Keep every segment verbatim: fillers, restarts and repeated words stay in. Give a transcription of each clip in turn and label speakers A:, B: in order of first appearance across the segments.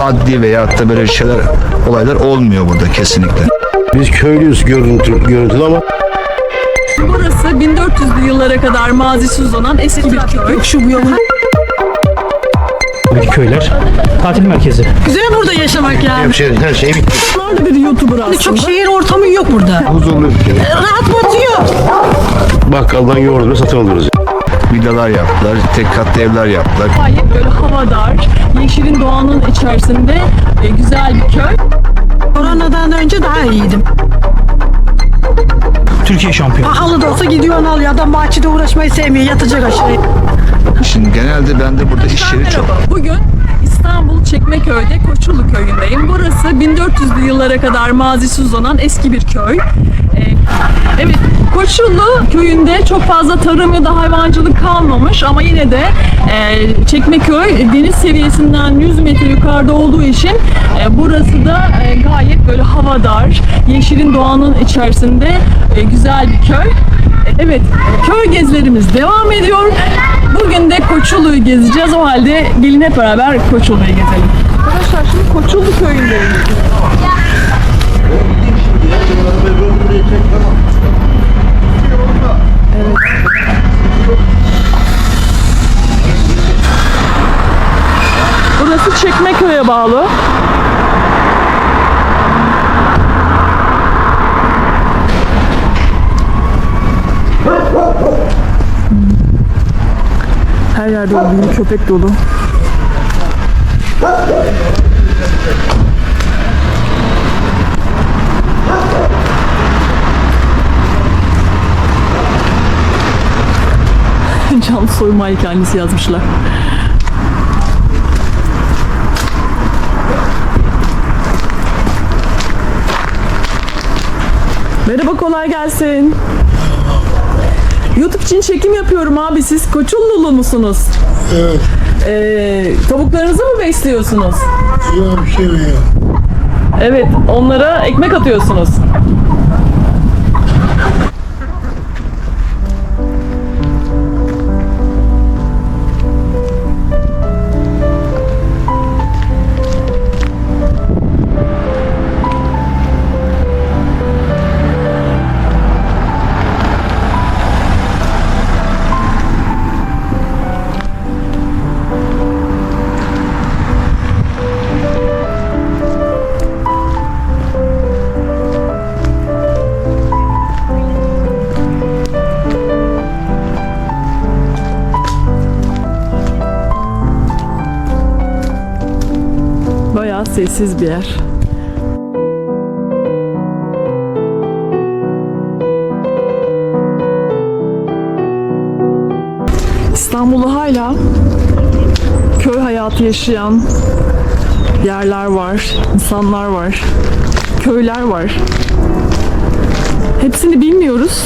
A: adli veyahut da böyle şeyler, olaylar olmuyor burada kesinlikle.
B: Biz köylüyüz görüntü, görüntülü ama
C: Burası bin dört yüzlü yıllara kadar mazisi uzanan eski bir köy. Şu bu yolun.
D: Köyler, tatil merkezi.
C: Güzel burada yaşamak yani.
B: hemşehri her şey bitti.
C: Nerede bir YouTuber aslında.
E: Çok şehir ortamı yok burada.
B: Huzurlu bir kere.
E: Rahat batıyor.
B: Bakkaldan yoğurdunu satın alıyoruz.
A: Villalar yaptılar, tek katlı evler yaptılar.
C: Gayet böyle havadar, yeşilin doğanın içerisinde e, güzel bir köy.
E: Koronadan önce daha iyiydim.
D: Türkiye şampiyonu.
E: Pahalı da olsa gidiyorsun alıyor. Adam bahçede uğraşmayı sevmiyor. Yatacak aşağıya.
A: Şimdi genelde bende burada iş yeri çok.
C: Merhaba, bugün İstanbul Çekmeköy'de Koçullu köyündeyim. Burası bin dört yüzlü yıllara kadar mazisi uzanan eski bir köy. Ee, evet, Koçullu köyünde çok fazla tarım ya da hayvancılık kalmamış ama yine de e, Çekmeköy deniz seviyesinden yüz metre yukarıda olduğu için e, burası da e, gayet böyle havadar, yeşilin doğanın içerisinde e, güzel bir köy. Evet, köy gezilerimiz devam ediyor. Bugün de Koçullu'yu gezeceğiz. O halde gelin hep beraber Koçullu'yu gezelim. Arkadaşlar şimdi Koçullu köyündeyiz. Evet. Burası Çekmeköy'e bağlı. Her yerde olduğu köpek dolu. Canlı soyma hikayesi yazmışlar. Merhaba, kolay gelsin. YouTube için çekim yapıyorum abi. Siz Koçullulu musunuz?
F: Evet.
C: Ee, tavuklarınızı mı besliyorsunuz?
F: Yok bir şey yok.
C: Evet, onlara ekmek atıyorsunuz. Bayağı sessiz bir yer. İstanbul'da hala köy hayatı yaşayan yerler var, insanlar var, köyler var. Hepsini bilmiyoruz.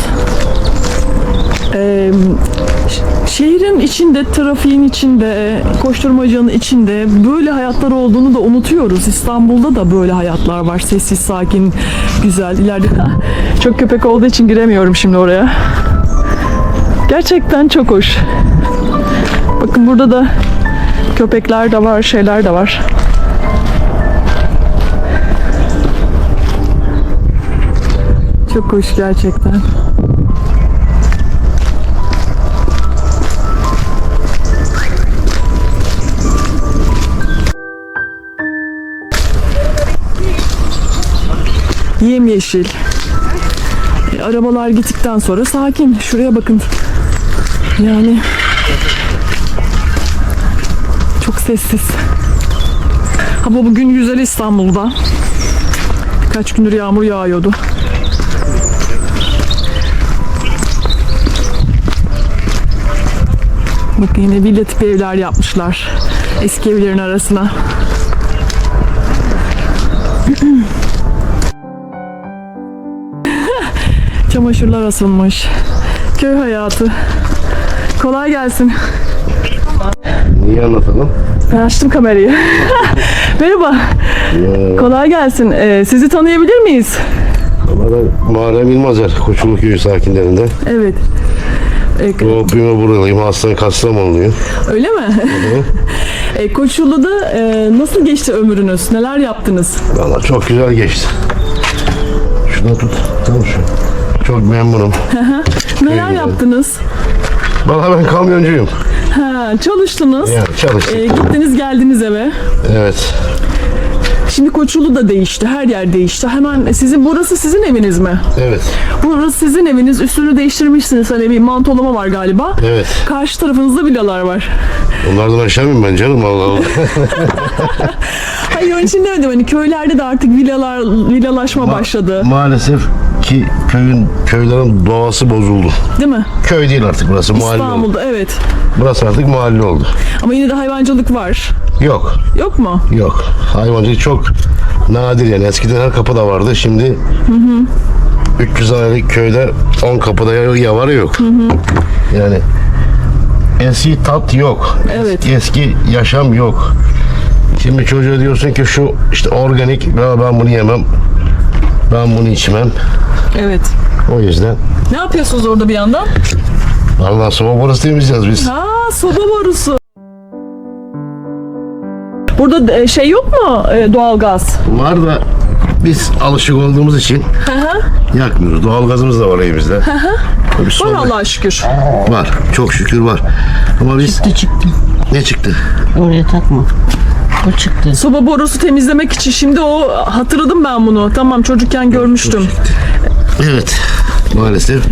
C: Ee, şehrin içinde, trafiğin içinde, koşturmacanın içinde böyle hayatlar olduğunu da unutuyoruz. İstanbul'da da böyle hayatlar var. Sessiz, sakin, güzel. İleride çok köpek olduğu için giremiyorum şimdi oraya. Gerçekten çok hoş. Bakın burada da köpekler de var, şeyler de var. Çok hoş gerçekten. Yemyeşil. E, arabalar gittikten sonra sakin. Şuraya bakın. Yani çok sessiz. Hava bugün güzel İstanbul'da. Birkaç gündür yağmur yağıyordu. Bakın yine villa tipi evler yapmışlar. Eski evlerin arasına. Çamaşırlar asılmış. Köy hayatı. Kolay gelsin.
B: Niye anlatalım?
C: Ben açtım kamerayı. Merhaba. Kolay gelsin. Ee, sizi tanıyabilir miyiz?
B: Ama ben Muharrem İlmazer, Koçullu Köyü sakinlerinden.
C: Evet. E,
B: Bu büyüme buradayım. Hastane Kastamonluyum.
C: öyle mi? e, Koçullu'da e, nasıl geçti ömrünüz? Neler yaptınız?
B: Valla çok güzel geçti. Şunu tut. Tamam şu. Çok memnunum.
C: Neler
B: güzel.
C: yaptınız?
B: Valla ben kamyoncuyum.
C: Ha, çalıştınız.
B: Yani çalıştık.
C: E, gittiniz geldiniz eve.
B: Evet.
C: Şimdi Koçullu da değişti. Her yer değişti. Hemen sizin burası sizin eviniz mi?
B: Evet.
C: Burası sizin eviniz. Üstünü değiştirmişsiniz. Hani bir mantolama var galiba.
B: Evet.
C: Karşı tarafınızda villalar var.
B: Onlardan aşağı mıyım ben canım? Allah Allah.
C: Hayır onun için demedim. Hani köylerde de artık villalar, villalaşma başladı.
B: Maalesef ki köyün köylerin doğası bozuldu.
C: Değil mi?
B: Köy değil artık burası, mahalle oldu.
C: İstanbul'da evet.
B: Burası artık mahalle oldu.
C: Ama yine de hayvancılık var.
B: Yok.
C: Yok mu?
B: Yok. Hayvancılık çok nadir yani. Eskiden her kapıda vardı. Şimdi hı hı. üç yüz hanelik köyde on kapıda ya, ya var ya yok. Hı hı. Yani eski tat yok.
C: Evet.
B: Eski, eski yaşam yok. Şimdi çocuğa diyorsun ki şu işte organik, ya ben bunu yemem. Ben bunu içmem.
C: Evet.
B: O yüzden
C: Ne yapıyorsunuz orada bir yandan?
B: Allah soba burası temizleyeceğiz biz.
C: Ha, soba borusu. Burada e, şey yok mu? E, doğalgaz.
B: Var da biz alışık olduğumuz için yakmıyoruz. Doğalgazımız da var evimizde. Tabii
C: Var
B: soba-
C: Allah'a şükür.
B: Var. Çok şükür var. Ama biz...
G: Çıktı çıktı.
B: Ne çıktı?
G: Oraya takma. O çıktı.
C: Soba borusu temizlemek için şimdi o hatırladım ben bunu. Tamam çocukken görmüştüm.
B: Evet. Maalesef.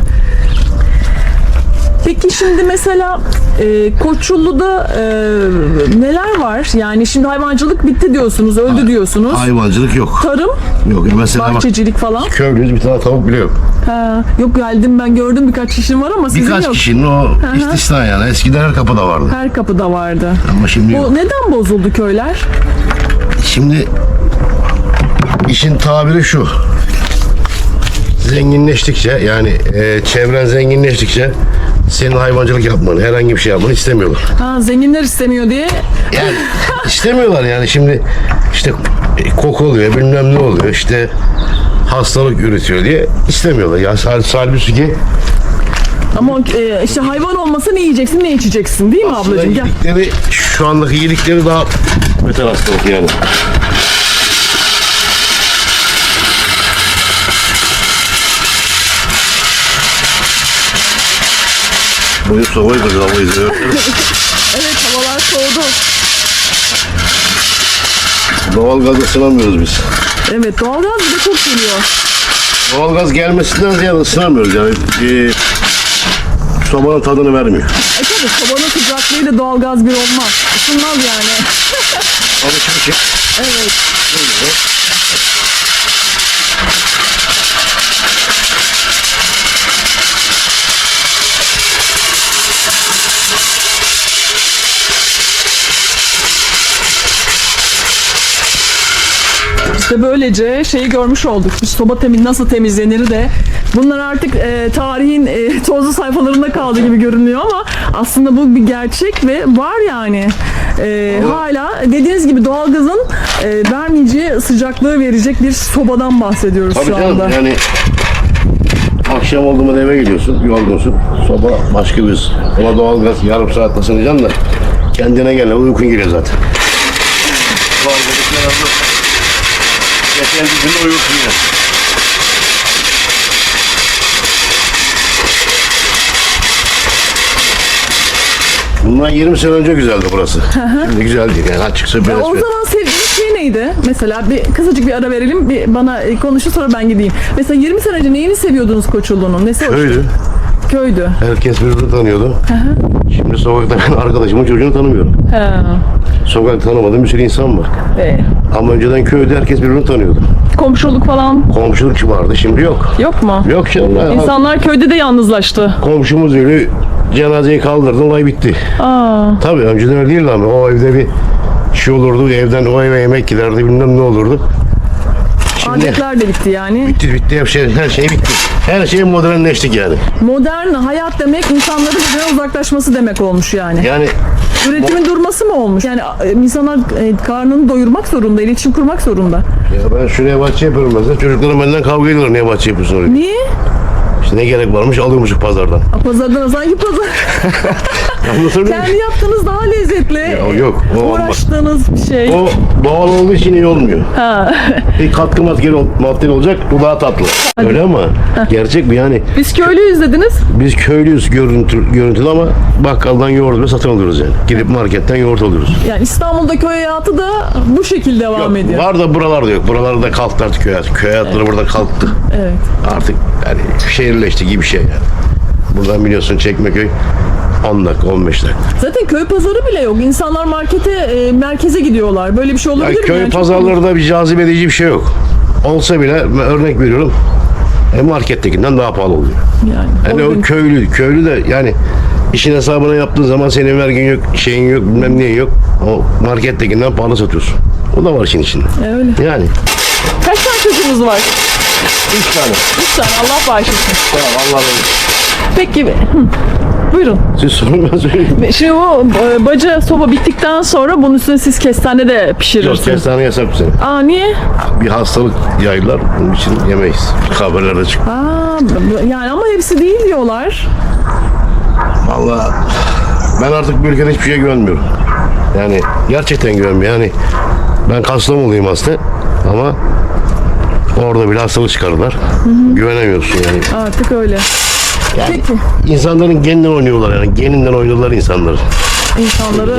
C: Peki şimdi mesela e, Koçullu'da e, neler var? Yani şimdi hayvancılık bitti diyorsunuz, öldü diyorsunuz.
B: Hayvancılık yok.
C: Tarım,
B: Yok. Mesela bak,
C: bahçecilik falan.
B: köylüyüz, bir tane tavuk bile yok.
C: Ha, yok geldim ben gördüm birkaç kişinin var ama sizin
B: Birkaç
C: yok.
B: kişinin o istisna yani. Eskiden her kapıda vardı.
C: Her kapıda vardı.
B: Ama şimdi yok.
C: Bu neden bozuldu köyler?
B: Şimdi işin tabiri şu. Zenginleştikçe yani e, çevren zenginleştikçe senin hayvancılık yapmanı, herhangi bir şey yapmanı istemiyorlar.
C: Ha, zenginler istemiyor diye.
B: Yani istemiyorlar yani şimdi işte e, koku oluyor bilmem ne oluyor işte hastalık üretiyor diye istemiyorlar. Ya sal halbuki ki
C: Ama e, işte hayvan olmasa ne yiyeceksin ne içeceksin değil mi
B: aslında
C: ablacığım? Gel.
B: yedikleri şu andaki yedikleri daha beter hastalık yani. Boyu sobayı da hava izliyor.
C: Evet havalar soğudu.
B: Doğalgazla ısınamıyoruz biz.
C: Evet doğalgaz bir de çok geliyor.
B: Doğalgaz gelmesinden ziyade ısınamıyoruz yani. E, sobanın tadını vermiyor.
C: E tabii sobanın sıcaklığıyla doğalgaz bir olmaz. Isınmaz yani.
B: Alışmışım.
C: Evet. İşte böylece şeyi görmüş olduk. Bir soba temiz nasıl temizlenir de. Bunlar artık e, tarihin e, tozlu sayfalarında kaldı gibi görünüyor ama aslında bu bir gerçek ve var yani. E, hala dediğiniz gibi doğalgazın e, vermeyeceği sıcaklığı verecek bir sobadan bahsediyoruz
B: Tabii
C: şu
B: canım
C: anda.
B: yani akşam oldu mu eve gidiyorsun, yorgunsun. Soba başka bir ona doğalgaz yarım saat ısınacaksın da kendine gel, uykun geliyor zaten. Doğalgazı kenarda geçen bir gün uyursun ya. Bundan yirmi sene önce güzeldi burası. Şimdi güzel değil yani açıkça biraz.
C: O zaman sevdiğiniz şey neydi? Mesela bir kısacık bir ara verelim. Bir bana e, konuşun sonra ben gideyim. Mesela yirmi sene önce neyini seviyordunuz Koçullu'nun? Nesi hoştu?
B: Köydü.
C: Köydü.
B: Herkes birbirini tanıyordu. Şimdi sokakta ben arkadaşımın çocuğunu tanımıyorum.
C: Ha.
B: Sokakta tanımadığım bir sürü insan var.
C: E,
B: Ama önceden köyde herkes birbirini tanıyordu.
C: komşuluk falan
B: Komşuluk vardı, şimdi yok.
C: yok mu?
B: Yok canım. ya.
C: İnsanlar köyde de yalnızlaştı.
B: Komşumuz ölü, cenazeyi kaldırdı, olay bitti.
C: Aa,
B: Tabii önceden öyle değildi ama o evde bir şey olurdu, evden o eve yemek giderdi, bilmem ne olurdu. Şimdi
C: adetler de bitti yani.
B: bitti bitti, her şey, her şey bitti. Her şey modernleştik yani.
C: Modern hayat demek insanların birbirinden uzaklaşması demek olmuş yani.
B: Yani
C: Üretimin durması mı olmuş? Yani e, insanlar e, karnını doyurmak zorunda, iletişim kurmak zorunda.
B: ya ben şuraya bahçe yapıyorum mesela, çocuklarım benden kavga ediyorlar, niye bahçe yapıyorsun oraya?
C: Niye?
B: İşte ne gerek varmış alıyormuşuz pazardan.
C: Pazardan sanki pazar.
B: Anlatabiliyor muyum?
C: Kendi yaptığınız daha lezzetli.
B: Ya, yok, o olmaz.
C: Uğraştığınız bir şey.
B: O doğal olduğu için iyi olmuyor.
C: Ha.
B: Bir katkı maddeli, maddeli olacak, bu daha tatlı. Öyle ama gerçek bu yani.
C: Biz köylüyüz dediniz.
B: Biz köylüyüz görüntü, görüntülü ama bakkaldan yoğurt ve satın alıyoruz yani. Gidip marketten yoğurt alıyoruz.
C: Yani İstanbul'da köy hayatı da bu şekilde devam
B: Yok,
C: ediyor.
B: var da buralarda yok. Buralarda kalktı artık köy hayatı. Köy hayatları burada kalktı.
C: Evet.
B: Artık yani şehirleşti gibi bir şey yani. Buradan biliyorsun Çekmeköy on dakika on beş dakika.
C: Zaten köy pazarı bile yok. İnsanlar markete, e, merkeze gidiyorlar. Böyle bir şey olabilir
B: Yani
C: mi?
B: köy
C: Yani çok-
B: pazarlarında bir cazip edici bir şey yok. Olsa bile ben örnek veriyorum. E, markettekinden daha pahalı oluyor.
C: Yani,
B: Yani o
C: gün-
B: köylü, köylü de yani işin hesabını yaptığın zaman senin vergin yok, şeyin yok, bilmem neyin yok. O markettekinden pahalı satıyorsun. O da var işin içinde.
C: E, öyle.
B: Yani.
C: Kaç tane çocuğunuz var?
B: Üç tane.
C: Üç tane. Allah bağışlasın.
B: Tamam Allah razı olsun.
C: Peki. Hı. Buyurun.
B: Siz sorun ben söyleyeyim.
C: Şimdi o e, baca soba bittikten sonra bunun üstüne siz kestane de
B: Yok
C: pişirirsiniz.
B: kestane yasak bu sene.
C: Aa niye?
B: Bir hastalık yaydılar. Bunun için yemeyiz. Haberlerde çıktı.
C: Aa yani ama hepsi değil diyorlar.
B: Vallahi ben artık bu ülkede hiçbir şeye güvenmiyorum. Yani gerçekten güvenmiyorum. Yani ben Kastamonuluyum aslında ama orada bile hastalık çıkardılar. Güvenemiyorsun yani.
C: Artık öyle. Peki.
B: İnsanların geninden oynuyorlar yani. Geninden oynuyorlar insanları.
C: İnsanları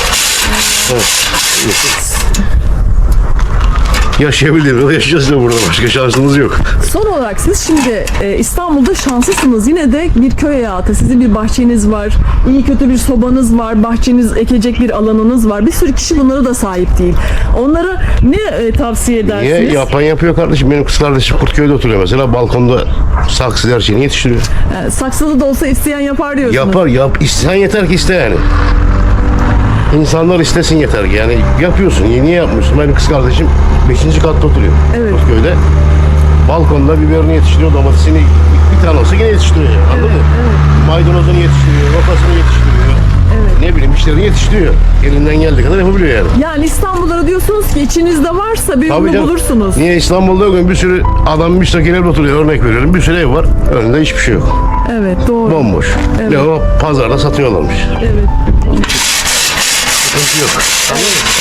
B: Yaşayabilir. Yaşayacağız da burada. Başka şansımız yok.
C: son olarak siz şimdi e, İstanbul'da şanslısınız. Yine de bir köy hayatı. Sizin bir bahçeniz var. İyi kötü bir sobanız var. Bahçeniz ekecek bir alanınız var. Bir sürü kişi bunlara da sahip değil. Onlara ne e, tavsiye edersiniz?
B: Niye? Yapan yapıyor kardeşim. Benim kız kardeşim Kurtköy'de oturuyor mesela. Balkonda saksı her şeyini yetiştiriyor.
C: E, saksılı da olsa isteyen yapar diyorsunuz.
B: Yapar yap. İsteyen yeter ki iste yani. İnsanlar istesin yeter ki. Yani yapıyorsun. Niye yapmıyorsun? Benim kız kardeşim beşinci katta oturuyor.
C: Evet.
B: Kurtköy'de. Balkonda biberini yetiştiriyor, domatesini bir tane olsa yine yetiştiriyor. Yani, anladın mı? Maydanozunu yetiştiriyor, rokasını yetiştiriyor. Ne bileyim işlerini yetiştiriyor. Elinden geldiği kadar yapabiliyor yani.
C: Yani İstanbul'da diyorsunuz ki içinizde varsa bir
B: Tabii
C: ürünü
B: canım.
C: bulursunuz.
B: Niye İstanbul'da bugün bir sürü adam müstakil evde oturuyor, örnek veriyorum. Bir sürü ev var, önünde hiçbir şey yok.
C: Evet doğru.
B: Bomboş.
C: Evet.
B: Ne o pazarda satıyorlarmış.
C: Evet.
B: Sıkıntı yok. Anladın mı?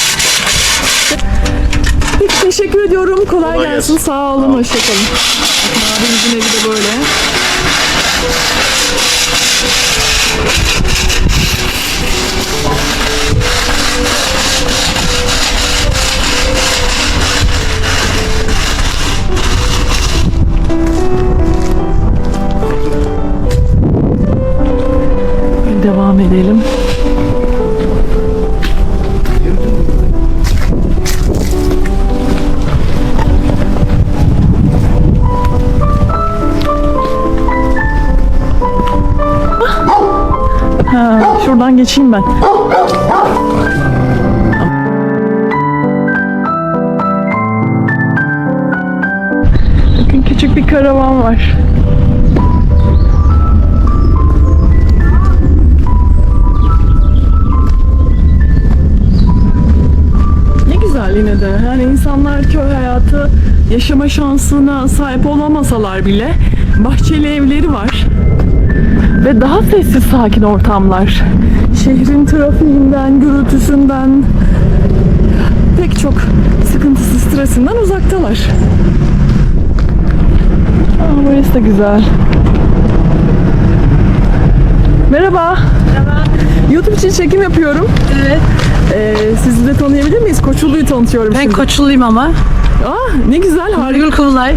C: Peki teşekkür ediyorum. Kolay,
B: Kolay
C: gelsin.
B: gelsin.
C: Sağ olun. Hoşçakalın. Abimizin evi de böyle. Devam edelim. Ha, şuradan geçeyim ben. Bakın küçük bir karavan var. Ne güzel yine de. Yani insanlar köy hayatı yaşama şansına sahip olamasalar bile bahçeli evleri var. Ve daha sessiz sakin ortamlar. Şehrin trafiğinden, gürültüsünden, pek çok sıkıntısı, stresinden uzaktalar. Aa, burası da güzel. Merhaba. Merhaba. YouTube için çekim yapıyorum.
H: Evet.
C: Ee, sizi de tanıyabilir miyiz? Koçulu'yu tanıtıyorum
H: Ben
C: şimdi.
H: Koçuluyum ama.
C: Aa, ne güzel, harika.
H: Nurgül Kubilay.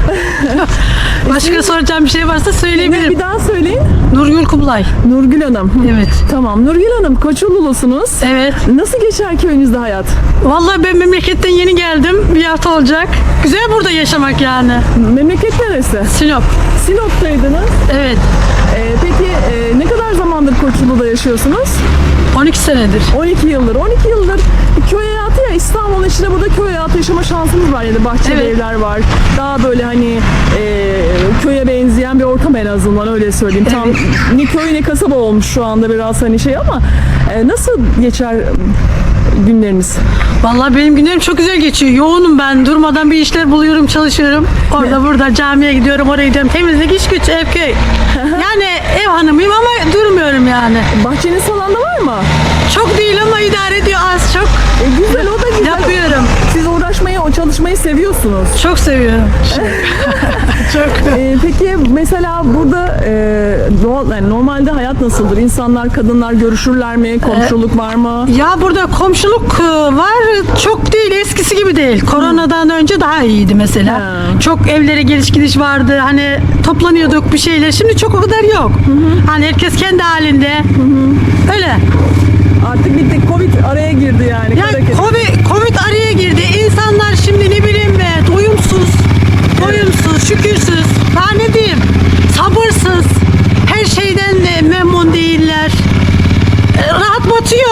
H: Başka soracağım bir şey varsa
C: Ne,
H: söyleyebilirim.
C: bir daha söyleyin.
H: Nurgül Kubilay.
C: Nurgül Hanım.
H: Evet.
C: Tamam. Nurgül Hanım, Koçululusunuz.
H: Evet.
C: Nasıl geçer köyünüzde hayat?
H: Vallahi ben memleketten yeni geldim. Bir hafta olacak. Güzel burada yaşamak yani.
C: Memleket neresi?
H: Sinop.
C: Sinop'taydınız.
H: Evet.
C: Ee, peki e, ne kadar zamandır Koçulu'da yaşıyorsunuz?
H: on iki senedir.
C: on iki yıldır. on iki yıldır köy hayatı ya, İstanbul'un içinde burada köy hayatı yaşama şansınız var. Yani bahçeli
H: Evet.
C: evler var. Daha böyle hani e, köye benzeyen bir ortam, en azından öyle söyleyeyim. Tam ne köy ne kasaba olmuş şu anda biraz hani şey ama e, nasıl geçer günleriniz?
H: Vallahi benim günlerim çok güzel geçiyor. Yoğunum ben. Durmadan bir işler buluyorum, çalışıyorum. Orada burada camiye gidiyorum, oraya gidiyorum. Temizlik, iş güç, ev köy. Yani ev hanımıyım ama durmuyorum yani.
C: Bahçeniz falan da var mı?
H: Çok değil ama idare ediyor az çok.
C: E, güzel, o da güzel.
H: Yapıyorum.
C: Siz uğraşmayı, o çalışmayı seviyorsunuz.
H: Çok seviyorum. çok.
C: E, peki mesela burada e, doğal, yani normalde hayat nasıldır? İnsanlar, kadınlar görüşürler mi? Komşuluk var mı?
H: Ya burada komşuluk e, var. Çok değil, eskisi gibi değil. Koronadan önce daha iyiydi mesela.
C: Ha.
H: Çok evlere geliş gidiş vardı. Hani toplanıyorduk bir şeyler. Şimdi çok o kadar yok. Hani herkes kendi halinde. Öyle.
C: Artık bitti. Covid araya girdi yani.
H: Yani
C: Kara kedi.
H: Covid, Covid araya girdi. İnsanlar şimdi ne bileyim be, doyumsuz, doyumsuz, şükürsüz. Daha ne diyeyim? Sabırsız. Her şeyden de memnun değiller. E, Rahat batıyor.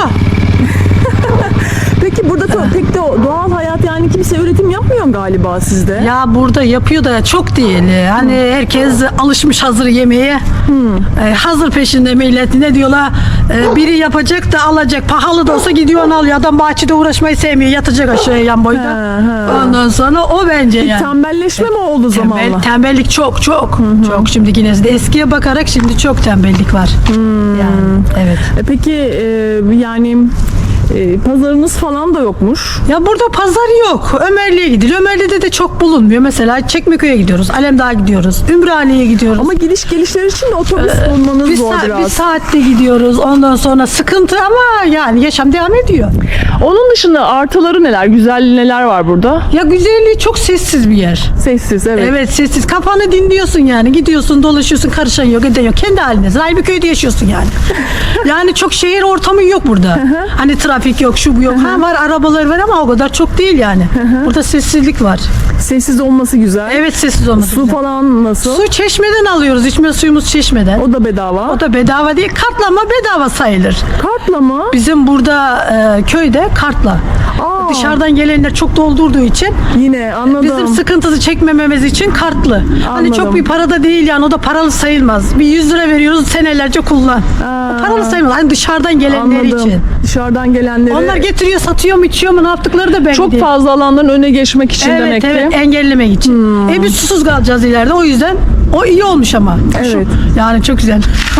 C: Peki burada to- pek de o doğal hayat, yani kimse üretim yapmıyor galiba sizde.
H: Ya burada yapıyor da çok değil. Hani herkes alışmış hazır yemeğe. E, hazır peşinde millet. Ne diyorlar? E, biri yapacak da alacak. Pahalı da olsa gidiyor onu alıyor. Adam bahçede uğraşmayı sevmiyor. Yatacak aşağıya yan boyda.
C: Ha, ha.
H: Ondan sonra o bence yani.
C: Tembelleşme mi oldu
H: Tembel,
C: zamanla?
H: tembellik çok çok. Çok şimdi yine de eskiye bakarak şimdi çok tembellik var. Yani evet.
C: E, Peki e, yani e, pazarınız falan da yokmuş.
H: Ya burada pazar yok. Ömerli'ye gidiliyor. Ömerli'de de çok bulunmuyor. Mesela Çekmeköy'e gidiyoruz. Alemdağ'a gidiyoruz. Ümraniye'ye gidiyoruz.
C: Ama gidiş gelişler için de otobüs bulmanız
H: bir,
C: zor
H: sa-
C: biraz.
H: bir saatte gidiyoruz. Ondan sonra sıkıntı ama yani yaşam devam ediyor.
C: Onun dışında artıları neler? Güzel neler var burada?
H: Ya güzelliği çok sessiz bir yer.
C: Sessiz, evet.
H: Evet sessiz. Kafanı dinliyorsun yani. Gidiyorsun, dolaşıyorsun, karışan yok, eden yok. Kendi halindesin. Aynı bir köyde yaşıyorsun yani. Yani çok şehir ortamı yok burada. Hani trafik yok, şu bu yok. Ha var, arabalar var ama o kadar çok değil yani. Burada sessizlik var.
C: Sessiz olması güzel.
H: Evet sessiz olması.
C: Su
H: güzel.
C: falan nasıl?
H: Su çeşmeden alıyoruz. İçme suyumuz çeşmeden.
C: O da bedava.
H: O da bedava değil. Kartla ama bedava sayılır.
C: Kartla mı?
H: Bizim burada e, köyde kartla.
C: Aa,
H: Dışarıdan gelenler çok doldurduğu için
C: yine anladım.
H: bizim sıkıntısı çekmememiz için kartlı. Hani çok bir para da değil yani, o da paralı sayılmaz. Bir yüz lira veriyoruz, senelerce kullan.
C: Aa,
H: Paralı sayılmaz. Hani dışarıdan gelenler
C: anladım.
H: için.
C: Dışarıdan gelenleri.
H: Onlar getiriyor, satıyor mu, içiyor mu, ne yaptıkları da belli
C: çok
H: değil.
C: fazla alanların öne geçmek için
H: Evet
C: demek
H: evet,
C: ki.
H: engellemek için. E biz susuz kalacağız ileride, o yüzden o iyi olmuş ama.
C: Evet.
H: Şu- yani çok güzel.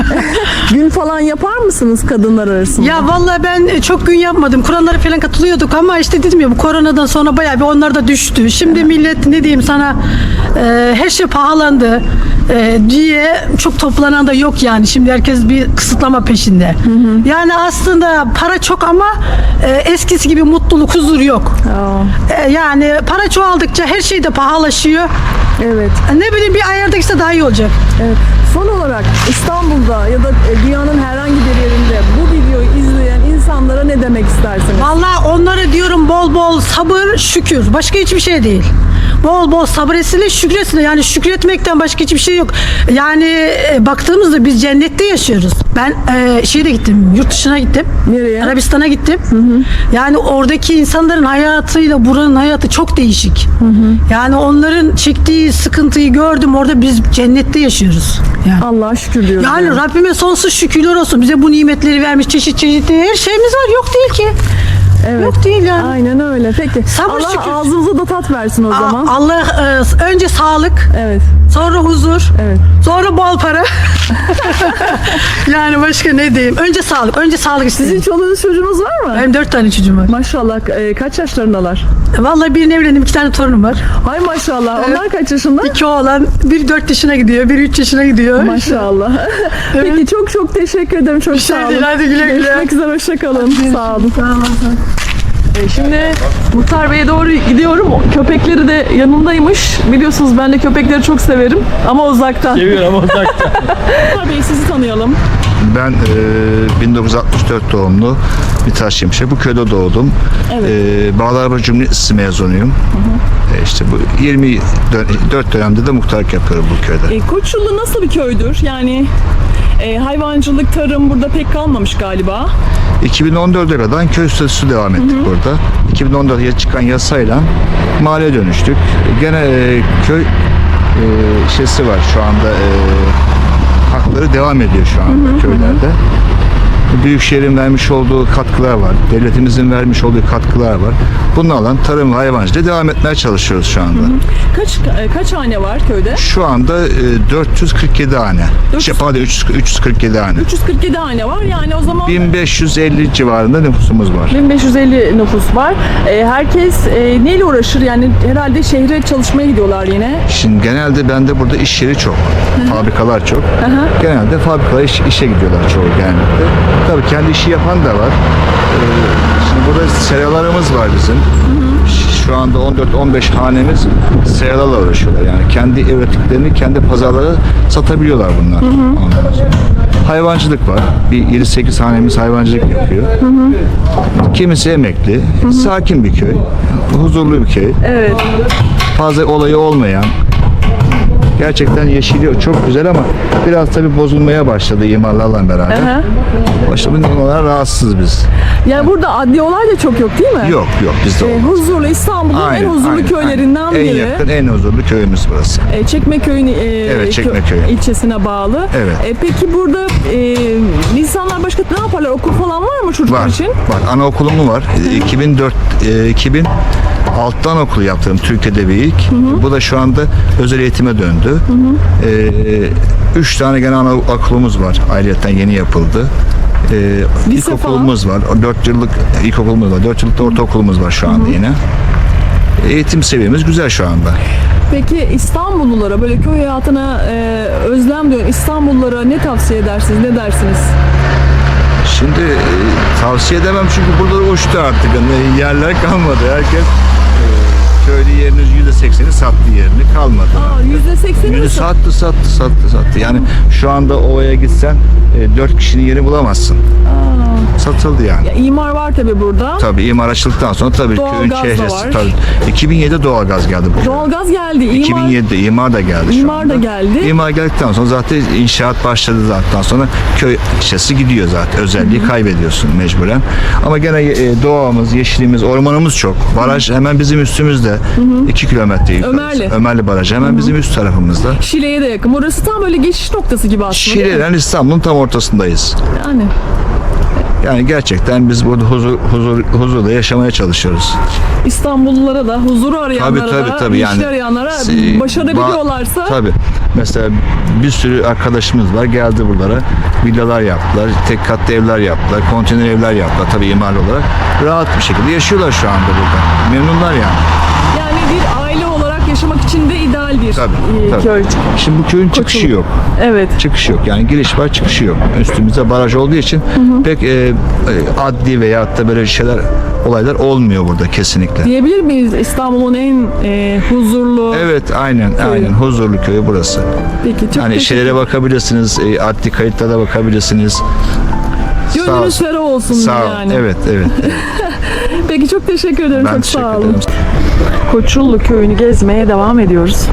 C: Gün falan yapar mısınız kadınlar arasında?
H: Ya vallahi ben çok gün yapmadım. Kur'anlara falan katılıyorduk ama işte dedim ya, bu koronadan sonra bayağı bir onlar da düştü. Şimdi millet ne diyeyim sana, e, her şey pahalandı e, diye çok toplanan da yok yani. Şimdi herkes bir kısıtlama peşinde. Yani aslında para çok ama e, eskisi gibi mutluluk, huzur yok.
C: Aa,
H: E, yani para çoğaldıkça her şey de pahalaşıyor.
C: evet.
H: Ne bileyim, bir ayarda işte daha iyi olacak.
C: Evet. Son olarak İstanbul'da ya da e, dünyanın herhangi bir yerinde bu videoyu izleyen insanlara ne demek istersiniz?
H: Vallahi onlara diyorum bol bol sabır, şükür. Başka hiçbir şey değil. Bol bol sabır etsinler, şükretsinler. Yani şükretmekten başka hiçbir şey yok. Yani e, baktığımızda biz cennette yaşıyoruz. Ben e, şeyde gittim, yurt dışına gittim.
C: Nereye?
H: Arabistan'a gittim. Yani oradaki insanların hayatıyla buranın hayatı çok değişik. Yani onların çektiği sıkıntıyı gördüm. Orada biz cennette yaşıyoruz. Yani.
C: Allah'a şükür diyoruz.
H: Yani
C: yani.
H: Rabbime sonsuz şükürler olsun. Bize bu nimetleri vermiş, çeşit çeşit her şeyimiz var. Yok değil ki.
C: Evet.
H: Yok değil yani.
C: Aynen öyle. Peki.
H: Sabır,
C: Allah
H: şükür.
C: ağzınıza da tat versin o
H: A-
C: zaman.
H: Allah e, önce sağlık,
C: Evet.
H: sonra huzur,
C: Evet.
H: sonra bol para. Yani başka ne diyeyim? Önce sağlık, önce sağlık
C: Sizin
H: istedim.
C: çoluğunuz çocuğunuz var mı?
H: Benim dört tane çocuğum var.
C: Maşallah. E, kaç yaşlarındalar?
H: Vallahi birini evlendim, iki tane torunum var.
C: Hay maşallah. Onlar kaç yaşında?
H: İki oğlan, biri dört yaşına gidiyor, biri üç yaşına gidiyor.
C: Maşallah. Peki çok çok teşekkür ederim. Çok
H: Bir şey
C: sağ olun.
H: değil, hadi güle güle.
C: Görüşmek üzere. Hoşça kalın. Sağ olun.
H: Sağ olun.
C: E, Şimdi Muhtar Bey'e doğru gidiyorum. Köpekleri de yanındaymış. Biliyorsunuz ben de köpekleri çok severim ama uzaktan.
D: Seviyorum ama uzakta.
C: Muhtar Bey sizi tanıyalım.
A: Ben e, bin dokuz yüz altmış dört doğumlu bir Taşyemşe. Bu köyde doğdum.
C: Evet.
A: E, Bağlarba Cumhuriyeti mezunuyum. E, işte bu yirmi dört dönemde de muhtarlık yapıyorum bu köyde.
C: E, Koçullu nasıl bir köydür? Yani e, hayvancılık, tarım burada pek kalmamış galiba.
A: iki bin on dörde kadar köy statüsü devam ettik burada. iki bin on dörtte çıkan yasayla mahalleye dönüştük. Gene e, köy e, şeysi var şu anda, e, hakları devam ediyor şu anda köylerde. Büyükşehir'in vermiş olduğu katkılar var. Devletimizin vermiş olduğu katkılar var. Bunlarla tarım ve hayvancılığa devam etmeye çalışıyoruz şu anda.
C: Kaç e, kaç hane var köyde?
A: Şu anda e, dört yüz kırk yedi hane.
C: dört yüz
A: Şey, pardon, üç yüz üç yüz kırk yedi hane.
C: üç yüz kırk yedi hane var. Yani o zaman
A: bin beş yüz elli civarında nüfusumuz var.
C: bin beş yüz elli nüfus var. E, herkes e, neyle uğraşır? Yani herhalde şehre çalışmaya gidiyorlar yine.
A: Şimdi genelde bende burada iş yeri çok. Fabrikalar çok. Genelde fabrikalar iş, işe gidiyorlar çoğu genellikle. Tabii kendi işi yapan da var. Ee, şimdi burada seralarımız var bizim. Şu anda on dört on beş hanemiz seralarla uğraşıyorlar. Yani kendi ürettiklerini kendi pazarlara satabiliyorlar bunlar. Ondan sonra. Hayvancılık var. Bir yedi sekiz hanemiz hayvancılık yapıyor. Kimisi emekli. Sakin bir köy. Huzurlu bir köy.
C: Evet.
A: Fazla olayı olmayan, gerçekten yeşili çok güzel ama biraz tabii bozulmaya başladı imarlarla beraber.
C: Aha.
A: Başta bundan rahatsız biz.
C: Yani burada adli olay da çok yok değil mi?
A: Yok yok bizde
C: E,
A: olmaz.
C: huzurlu İstanbul'un en
A: Aynen,
C: huzurlu
A: aynen,
C: köylerinden
A: aynen.
C: biri.
A: En yakın, en huzurlu köyümüz burası.
C: E, Çekmeköy'ün e,
A: Evet, Çekmeköy.
C: kö- ilçesine bağlı.
A: Evet.
C: E, peki burada e, insanlar başka ne yaparlar? Okul falan var mı çocuklar
A: Var.
C: için?
A: Var. Anaokulum var. iki bin dört e, iki bin altı anaokulu yaptım Türkiye'de bir ilk. Bu da şu anda özel eğitime döndü. E, üç tane gene anaokulumuz var. Ayrıyeten yeni yapıldı. E,
C: Lise
A: ilkokulumuz var. Dört yıllık ilkokulumuz var. Dört yıllık da ortaokulumuz var şu anda yine. Eğitim seviyemiz güzel şu anda.
C: Peki İstanbullulara böyle köy hayatına e, özlem duyan İstanbullulara ne tavsiye edersiniz? Ne dersiniz?
A: Şimdi e, tavsiye edemem çünkü burada uçtu artık. Yani yerler kalmadı. Herkes e, köylü yerinin yüzde sekseni sattı yerini. Kalmadı.
C: Aa, yüzde sekseni mi?
A: Yüzde sattı, sattı, sattı, sattı. Yani şu anda ovaya gitsen e, dört kişinin yeri bulamazsın. Satıldı yani.
C: Ya, imar var tabii burada.
A: Tabii imar açıldıktan sonra tabii
C: Doğalgaz
A: köyün
C: da
A: çehresi.
C: var.
A: Tabii. iki bin yedide doğalgaz geldi buraya.
C: Doğalgaz geldi. İmar,
A: iki bin yedide imar da geldi şu
C: İmar
A: anda.
C: da geldi.
A: İmar geldikten sonra zaten inşaat başladı zaten sonra köy içerisi gidiyor zaten. Özelliği kaybediyorsun mecburen. Ama gene e, doğamız, yeşilimiz, ormanımız çok. Baraj hemen bizim üstümüzde. iki kilometre yukarısı.
C: Ömerli.
A: Ömerli Barajı hemen bizim üst tarafımızda.
C: Şile'ye de yakın. Burası tam böyle geçiş noktası gibi aslında. değil mi?
A: Şile'den İstanbul'un tam ortasındayız.
C: Yani
A: Yani gerçekten biz burada huzur, huzur, huzurla yaşamaya çalışıyoruz.
C: İstanbullulara da, huzuru arayanlara
A: Tabii tabii
C: da,
A: tabii.
C: yeşil
A: Yani
C: arayanlara
A: e,
C: başarabiliyorlarsa
A: ba- tabii. Mesela bir sürü arkadaşımız var geldi buralara. Villalar yaptılar, tek katlı evler yaptılar, konteyner evler yaptılar tabii imarlı olarak. Rahat bir şekilde yaşıyorlar şu anda burada. Memnunlar yani.
C: yani bir aile olarak yaşamak için de ideal bir
A: Tabii,
C: e,
A: tabii.
C: köy.
A: Şimdi bu köyün çıkışı yok.
C: Evet.
A: Çıkışı yok. Yani giriş var, çıkışı yok. Üstümüzde baraj olduğu için pek e, e, adli veyahut da böyle şeyler, olaylar olmuyor burada kesinlikle.
C: Diyebilir miyiz İstanbul'un en e, huzurlu?
A: Evet, aynen, aynen. Huzurlu köyü burası.
C: Peki çok
A: Yani
C: teşekkür
A: şeylere bakabilirsiniz, e, adli kayıtlara bakabilirsiniz. Sağ
C: Gönlünüz
A: olsun.
C: ferah olsun
A: Sağ ol.
C: yani.
A: Evet, evet.
C: Peki çok teşekkür ederim.
A: Ben
C: çok
A: teşekkür
C: sağ olun.
A: ederim.
C: Koçullu köyünü gezmeye devam ediyoruz.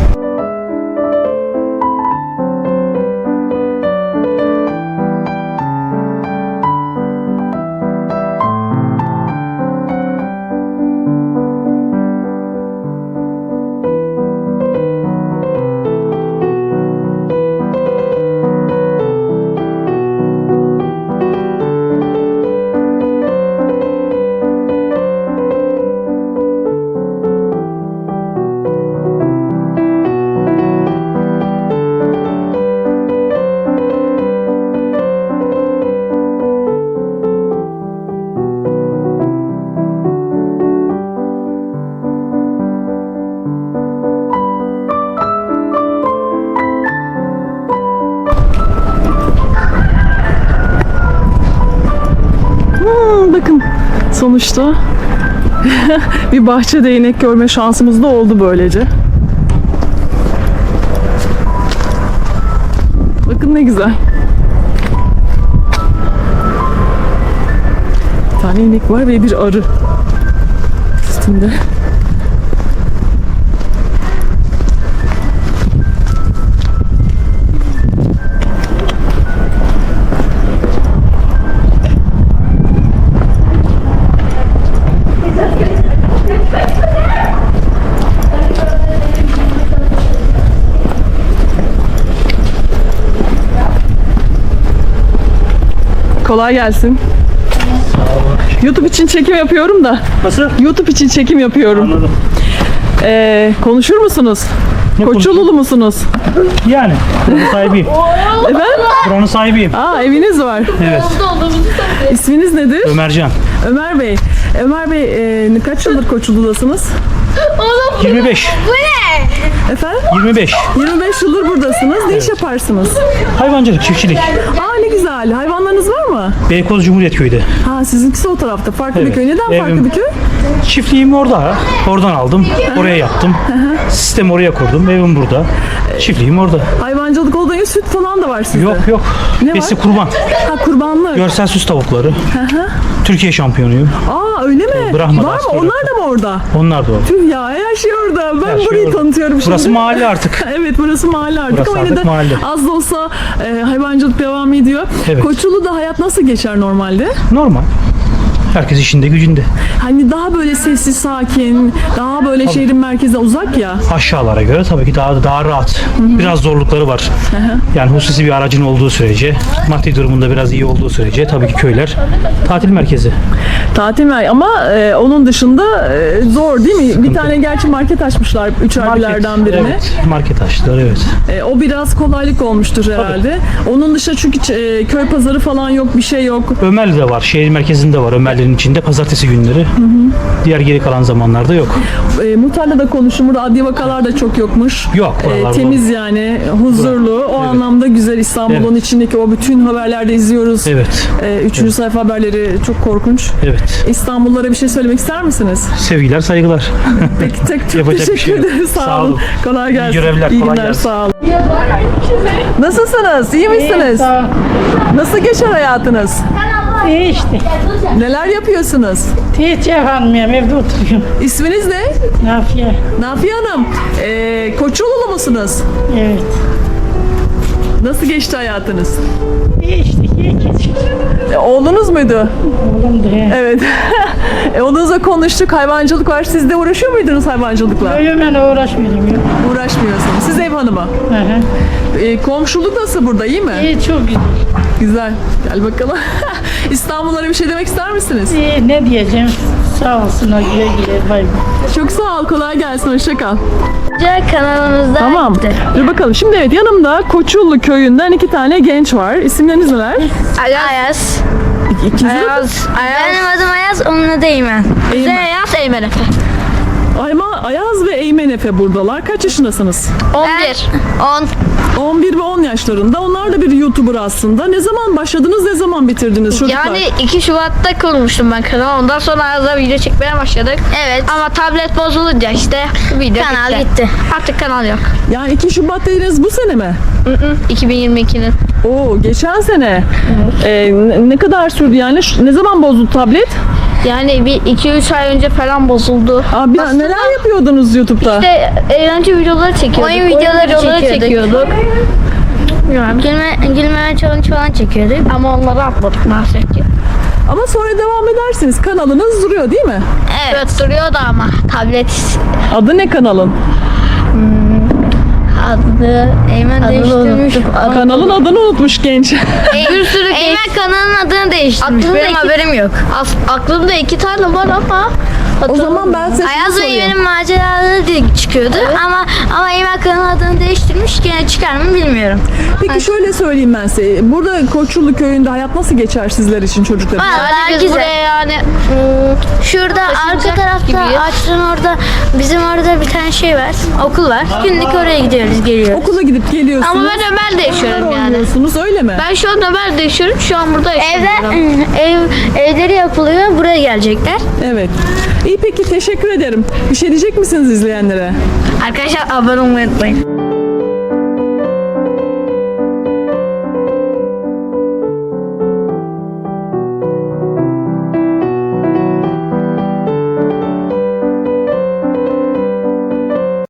C: Hmm, bakın sonuçta bir bahçe değnek görme şansımız da oldu böylece. Bakın ne güzel. Bir tane inek var ve bir arı üstünde. Kolay Kolay gelsin. YouTube için çekim yapıyorum da.
D: Nasıl?
C: YouTube için çekim yapıyorum.
D: Anladım.
C: Ee, konuşur musunuz?
D: Ne
C: Koçululu musunuz?
D: Yani buranın sahibiyim.
C: Efendim?
D: Buranın sahibiyim.
C: Aa, eviniz var.
D: Evet.
C: İsminiz nedir?
D: Ömercan.
C: Ömer Bey. Ömer Bey e, kaç yıldır Koçulu'dasınız?
D: yirmi beş.
C: Efendim?
D: yirmi beş.
C: yirmi beş yıldır buradasınız. Ne iş yaparsınız?
D: Hayvancılık, çiftçilik.
C: Aa, ne güzel. Hayvanlarınız var mı?
D: Beykoz Cumhuriyet Köyü'de.
C: Ha, sizinkisi o tarafta. Farklı bir
D: Evet.
C: köy. Neden farklı
D: Evim-
C: bir köy?
D: Çiftliğim orada. Oradan aldım. Oraya yaptım. Sistem oraya kurdum. Evim burada. Çiftliğim orada.
C: Hayvancılık olduğu gibi süt falan da var sizde.
D: Yok yok.
C: Ne
D: Besi
C: var?
D: kurban.
C: Ha, kurbanlık.
D: Görsel süs tavukları. Türkiye şampiyonuyum.
C: Aa, öyle mi?
D: Brahma'da
C: Var mı?
D: asker
C: Onlar
D: yaptım.
C: da mı orada?
D: Onlar da o.
C: Tüh ya, her şey orada. Ben
D: Her şey
C: burayı
D: orada.
C: tanıtıyorum şimdi.
D: Burası mahalle artık.
C: Evet, burası mahalle artık
D: Burası
C: ama yine
D: artık
C: de
D: mahalle.
C: az da olsa e, hayvancılık devam ediyor.
D: Evet.
C: Koçulu'da hayat nasıl geçer normalde?
D: Normal. Herkes işinde gücünde.
C: Hani daha böyle sessiz, sakin, daha böyle şehrin merkezine uzak ya.
D: Aşağılara göre tabii ki daha daha rahat. Biraz zorlukları var. Yani hususi bir aracın olduğu sürece, maddi durumunda biraz iyi olduğu sürece tabii ki köyler tatil merkezi.
C: Tatil mi? Ama e, onun dışında e, zor değil mi? Bir tane gerçi market açmışlar üç harbilerden birine.
D: Evet, market açtılar evet.
C: E, o biraz kolaylık olmuştur herhalde. Onun dışında çünkü e, köy pazarı falan yok, bir şey yok.
D: Ömerli'de var, şehir merkezinde var. Ömerli'nin içinde pazartesi günleri. Diğer geri kalan zamanlarda yok.
C: E, Muhtar'la da konuştum. Burada adli vakalar da çok yokmuş.
D: Yok,
C: E,
D: oralarda
C: temiz yani, huzurlu. O
D: Evet.
C: anlamda güzel. İstanbul'un
D: Evet.
C: içindeki o bütün haberlerde izliyoruz.
D: Evet,
C: E, üçüncü sayfa haberleri çok korkunç.
D: evet.
C: İstanbullulara bir şey söylemek ister misiniz?
D: Sevgiler, saygılar.
C: Peki, tek çok
D: Yapacak bir
C: teşekkür
D: şey yok.
C: ederim. Sağ,
D: Sağ
C: olun.
D: olun.
C: Kolay gelsin.
D: İyi görevler,
C: İyi
D: kolay
C: günler,
D: gelsin.
C: sağ olun. Nasılsınız? İyi misiniz? Nasıl geçer hayatınız?
E: İyi işte.
C: Neler yapıyorsunuz?
E: Hiç yapamıyorum. Evde oturuyorum.
C: İsminiz ne?
E: Nafiye.
C: Nafiye Hanım. Ee, Koçululu musunuz?
E: Evet.
C: Nasıl geçti hayatınız?
E: İyi işte. İyi geçiyor.
C: E, oğlunuz muydu?
E: Oğlum da he.
C: Evet. e, oğlunuzla konuştuk. Hayvancılık var. Siz de uğraşıyor muydunuz hayvancılıkla?
E: Öyle ben uğraşmıyorum. Ya.
C: Uğraşmıyorsunuz. Siz ev hanımı.
E: Hı hı.
C: E, komşuluk nasıl burada? İyi mi?
E: İyi çok güzel.
C: Güzel. Gel bakalım. İstanbullara bir şey demek ister misiniz?
E: İyi ne diyeceğim? Sağ olsun. Güle güle. Bay bay.
C: Çok sağ ol. Kolay gelsin. Hoşça kal.
I: Kanalımızda
C: Tamam. Dur bakalım. Şimdi evet, yanımda Koçullu köyünden iki tane genç var. İsimleriniz neler?
I: Ayaz.
C: İkiniz de
I: Ayaz. Benim adım Ayaz, onun adı Eymen.
C: Eymen.
I: Bize Ayaz, Eymen Efe.
C: Ayma, Ayaz ve Eymen Efe buradalar. Kaç yaşındasınız?
I: on bir. on.
C: on bir ve on yaşlarında. Onlar da bir YouTuber aslında. Ne zaman başladınız, ne zaman bitirdiniz çocuklar?
I: Yani iki Şubat'ta kurmuştum ben kanalı. Ondan sonra Ayaz'la video çekmeye başladık. Evet. Ama tablet bozulunca işte video kanal gitti. gitti. Artık kanal yok.
C: Yani iki Şubat dediniz, bu sene mi?
I: iki bin yirmi ikinin.
C: Oo, geçen sene. Ee, ne- ne kadar sürdü yani? Şu- Ne zaman bozuldu tablet?
I: Yani bir iki üç ay önce falan bozuldu.
C: Abi neler yapıyordunuz YouTube'da?
I: İşte eğlence videoları çekiyorduk. Oyun videoları, çekiyorduk. Bilmiyorum. Gülme, gülmeme challenge falan çekiyorduk. Ama onları atmadık maalesef ki.
C: Ama sonra devam edersiniz. Kanalınız duruyor değil mi?
I: Evet, evet duruyordu ama tablet
C: Adı ne kanalın?
I: adı Eymen değiştirmiş.
C: Kanalın adını unutmuş genç.
I: Bir sürü Eymen kanalın adını değiştirmiş.
G: Aklımda
I: Benim
G: iki-
I: haberim yok. As- aklımda iki tane var ama
C: O zaman ben size şunu
I: Ayaz ve
C: sorayım.
I: Eymen'in maceraları diye çıkıyordu ama ama Eymen kanalın adını değiştirmiş. Gene çıkar mı bilmiyorum.
C: Peki şöyle söyleyeyim ben size. Burada Koçullu köyünde hayat nasıl geçer sizler için, çocuklar için?
I: Vallahi
G: biz
I: güzel.
G: buraya
I: yani
G: Şurada arka
I: taşınacak
G: tarafta
I: gibiyiz.
G: ağaçların orada bizim orada bir tane şey var. Okul var. Günlük oraya gidiyoruz, geliyoruz.
C: Okula gidip geliyorsunuz.
I: ama ben Ömer'de yaşıyorum
C: oynuyorsunuz,
I: yani.
C: oynuyorsunuz, öyle mi?
I: Ben şu an Ömer'de yaşıyorum. Şu an burada yaşıyorum.
G: Evde ev evleri yapılıyor. Buraya gelecekler.
C: Evet. İyi, peki teşekkür ederim. Bir şey diyecek misiniz izleyenlere?
I: Arkadaşlar abone olmayı unutmayın.